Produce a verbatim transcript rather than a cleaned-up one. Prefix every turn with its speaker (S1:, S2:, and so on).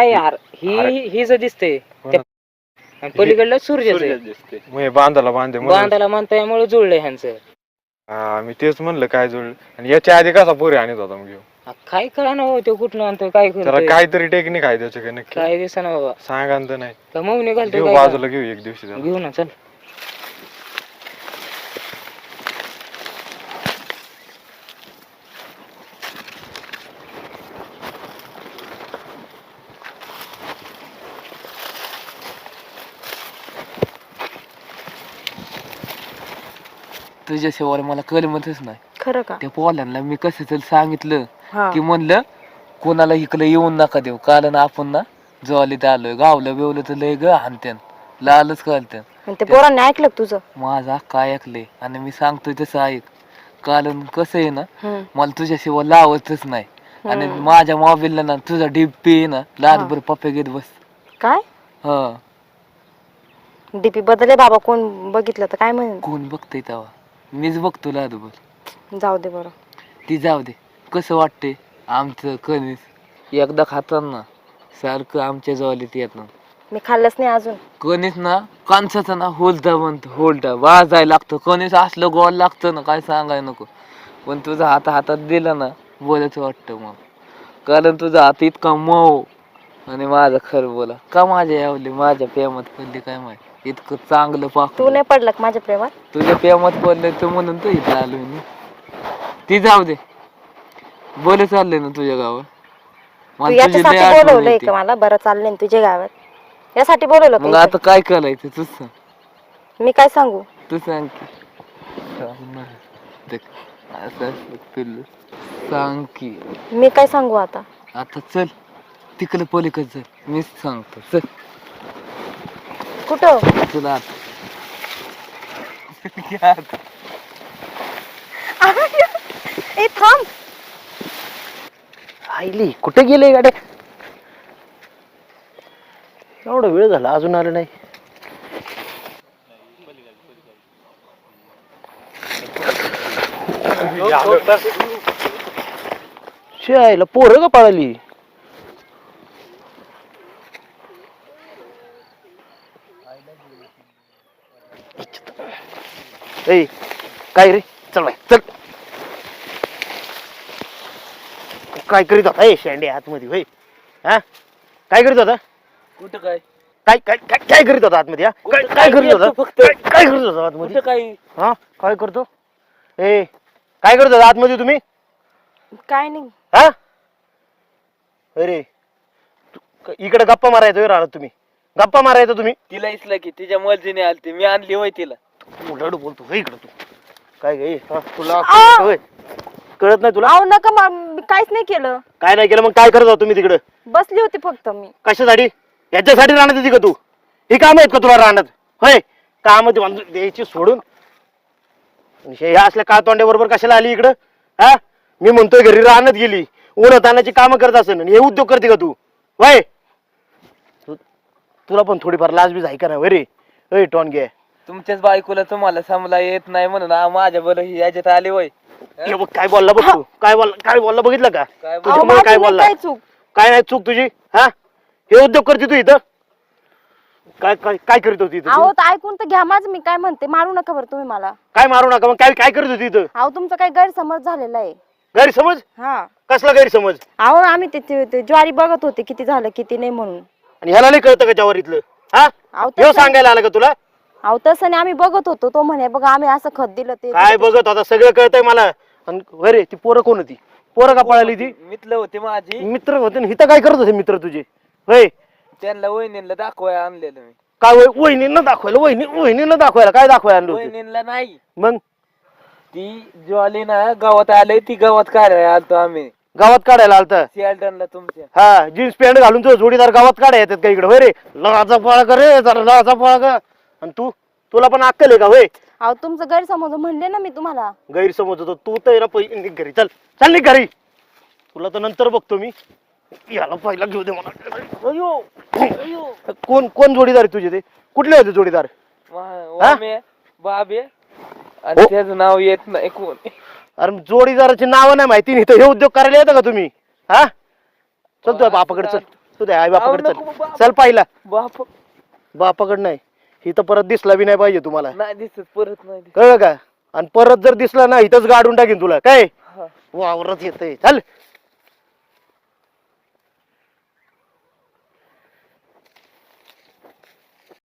S1: नाही यार ही ही जर दिसते पलीकडलं सूर्य दिसते
S2: मग बांधाला बांधे
S1: बांधाला म्हणतामुळे जुळलंय ह्यांचं.
S2: हा मी तेच म्हणलं काय जुळलं. आणि याच्या आधी कसा पोरी आणत होता मग घेऊ
S1: काय करा ना हो तो कुठलं आणतोय काय
S2: त्याला
S1: करतोय
S2: काहीतरी टेक्निक आहे त्याच्या काही नक्की
S1: काय दिसा ना बाबा
S2: सांगा तर नाही
S1: का मग निघालतो
S2: घेऊ बाजूला घेऊ एक दिवशी त्याला.
S1: घेऊ ना चल.
S3: तुझ्याशिवाय मला कलमतच नाही.
S4: खरं का?
S3: त्या पोलांना मी कसं तरी सांगितलं
S4: हा.
S3: की म्हणलं कोणाला इकडे येऊन नका देऊ. कारण आपण ना जवालीत आलोय गावलं बिवलं तर लय ग हानत्यान लालच कळत्यान.
S4: आणि ते पोरांनी ऐकलं का तुझं?
S3: माझा काय ऐकलंय आणि मी सांगतोय तसं ऐक. कारण कसं आहे ना
S4: हम्म.
S3: मला तुझ्याशिवाय लावतच नाही. आणि
S4: हम्म.
S3: माझ्या मोबाईलला ना तुझा डीपी आहे ना लालभर पप्पे घेत बस.
S4: काय
S3: हा
S4: डीपी बदले बाबा कोण बघितलं तर काय म्हणेल?
S3: कोण बघतय तेव्हा मीच बघतो लालभर.
S4: जाऊ दे बरं.
S3: ती जाऊ दे. कसं वाटते आमचं कणीस एकदा खाताना सारखं आमच्या जवळीत येत ना.
S4: मी खाल्लंच नाही अजून.
S3: कणीस ना कांसाचा ना होलटा म्हणतो होलटा वाजायला लागतं. कणीस असलं गोल लागतं ना काय सांगाय नको. पण तुझा हात हातात दिला ना बोलायचं वाटतं मग. कारण तुझा हात इतका मऊ आणि माझं खरं बोला का माझ्या यावली माझ्या प्रेमात पडली काय माहिती इतकं चांगलं पाक.
S4: तू नाही पडलं का माझ्या प्रेमात?
S3: तुझ्या प्रेमात पडलं तर म्हणून तर इथं आलोय मी. ती जाऊ दे. बोले चाललंय ना तुझ्या गावात?
S4: तू याच्यासाठी बोलवलंय का मला? बरं चाललंय ना तुझ्या गावात यासाठी बोलवलं
S3: मग
S4: का?
S3: आता काय करायचं तूच सांग.
S4: मी काय सांगू?
S3: तू सांग की. सांग ना. देख, असं असं पिल्लू. सांग की.
S4: मी काय सांगू आता?
S3: आता चल तिकडे पलीकडे चल मीच सांगतो चल.
S4: कुठं?
S3: तुला आता
S4: ए थांब.
S5: आईली कुठे गेले गाड्या? एवढा वेळ झाला अजून आलं नाही. शाळेला पोरं का पळाली? ए काय रे चल बाय चल. काय करीत होता ए शेंडे आतमध्ये होय? हा काय करीत होता?
S3: कुठं काय
S5: काय काय काय काय करीत होता आतमध्ये? हा काय काय करीत होता?
S3: फक्त
S5: काय काय करीत होता आतमध्ये?
S3: कुठं काय
S5: हा काय करतो? ए काय करत होता आतमध्ये तुम्ही?
S4: काय नाही.
S5: हा अरे तू- इकडे गप्पा मारायचो राहणार तुम्ही गप्पा मारायचो तुम्ही.
S3: तिला इसला की तिच्या मर्जीने आलती मी आणली होय तिला.
S5: उलट बोलतो होय इकडे तू काय गे तुला
S4: आ!
S5: होय कळत नाही तुला?
S4: आव नका मा- मी काहीच नाही केलं.
S5: काय नाही केलं मग काय करत होता तुम्ही तिकडे?
S4: बसली होती फक्त मी.
S5: कशासाठी? याच्यासाठी राहण्यात येते का तू? ही काम आहेत का तुला राहण्यात? होय काम द्यायची सोडून हे असल्या का तोंड्या बरोबर कशाला आली इकडं? हा मी म्हणतोय घरी राहण्यात गेली उन्हात तानाची कामं करत असेल आणि हे उद्योग करते का तू? होय तु- तुला पण थोडीफार लाज बीज आहे का नाही रे? होय टोनगे
S3: तुमच्याच बायकोला तुम्हाला समला येत नाही म्हणून आ- माझ्या बरं ही याच्यात आले वय.
S5: हे बघ काय बोलला बघ तू काय बोलला काय बोलला बघितलं का?
S3: काय बोल-
S4: अहो,
S5: तुझ्यामुळे
S4: माझी
S5: काय
S4: नाही
S5: बोलला?
S4: काय चूक.
S5: काय नाही चूक तुझी? हा हे उद्योग करते तू इथं? काय काय काय करीत होती इथं
S4: अहो
S5: तू?
S4: तर ऐकून तर घ्या माझं. मी काय म्हणते मारू नका बरं तुम्ही मला.
S5: काय मारू नका मग काय काय करत होती इथं?
S4: अहो तुमचा काही गैरसमज झालेला आहे.
S5: गैरसमज?
S4: हा
S5: कसला गैरसमज?
S4: अहो आम्ही ते- ते ते ज्वारी बघत होते किती झालं किती नाही म्हणून.
S5: आणि ह्याला नाही कळतं का जवारीतलं? हा
S4: अहो
S5: हे
S4: तसं
S5: सांगायला आलं का तुला?
S4: अहो तसं नाही आम्ही बघत होतो. तो म्हणे बघा आम्ही असं खत दिलं ते
S5: काय बघत होता सगळं कळतंय मला. आणि अरे ती पोरं कोण होती? पोरं का पळाली ती?
S3: मित्र होते माझी
S5: मित्र होते ना. इथं काय करत होते मित्र तुझे? होय
S3: त्यांना वहिनीला दाखवाय आणलेलं मी.
S5: काय वय- वहिनींना दाखवायला? वहिनी वहिनींना दाखवायला काय दाखवायला आणलं होतं?
S3: वहिनीला नाही
S5: मग
S3: ती ज्वाली ना गावात आलंय ती गावात काढायला आलतो आम्ही
S5: गावात काढायला आलता?
S3: सियालटनला तुमच्या.
S5: हा जीन्स पॅन्ट घालून तो जोडीदार गावात काढाय येतात का इकडे? होय रे लाचा पळा कर रे जरा लाचा पळा कर. आणि तू तुला पण अक्कल आहे का? होय
S4: अहो तुमचं गैरसमज म्हणले ना मी तुम्हाला.
S5: गैरसमज होतो तू तर ना पहिले निघ घरी. चल चल निघ घरी. तुला तर नंतर बघतो मी. याला पहिला घेऊ दे मला. अयो अयो कोण कोण जोडीदार आहे तुझे? ते कुठले होते जोडीदार?
S3: वामे बाबे आणि
S5: हो.
S3: त्याचं नाव येत नाही कोण.
S5: अरे जोडीदाराची नावं नाही माहिती नाही तर हे उद्योग करायला येतं का तुम्ही? हा चल तुझ्या बापाकडे चल. तुझ्या आई बापाकडे
S3: अहो, नको
S5: चल
S3: बाप.
S5: चल पाहिला
S3: बाप
S5: बापाकडे नाही ही तर परत दिसला बी नाही पाहिजे तुम्हाला
S3: नाही दिसत परत नाही दिसत.
S5: कळलं का आणि परत जर दिसला ना इथंच गाडून टाकीन तुला काय
S3: हा.
S5: वावरत येतंय चल